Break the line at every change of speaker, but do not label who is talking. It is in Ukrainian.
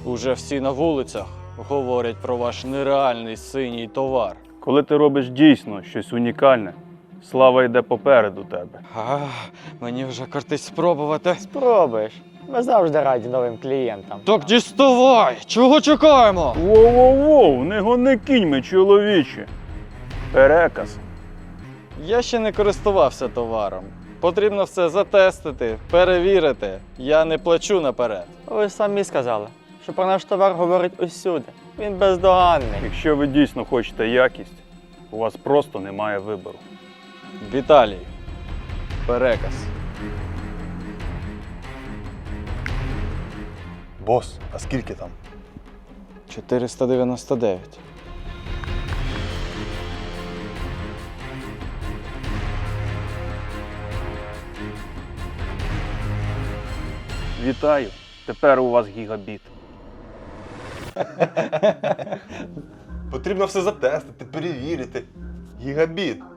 Уже всі на вулицях говорять про ваш нереальний синій товар.
Коли ти робиш дійсно щось унікальне, слава йде попереду тебе.
Мені вже кортить спробувати.
Спробуєш. Ми завжди раді новим клієнтам.
Так діставай! Чого чекаємо?
Воу-воу-воу, не гони кіньми, чоловіче. Переказ.
Я ще не користувався товаром. Потрібно все затестити, перевірити. Я не плачу наперед.
Ви ж самі сказали, що про наш товар говорить усюди. Він бездоганний.
Якщо ви дійсно хочете якість, у вас просто немає вибору.
Віталій. Переказ.
Бос, а скільки там?
499.
Вітаю, тепер у вас гігабіт.
Потрібно все затестити, перевірити. Гігабіт.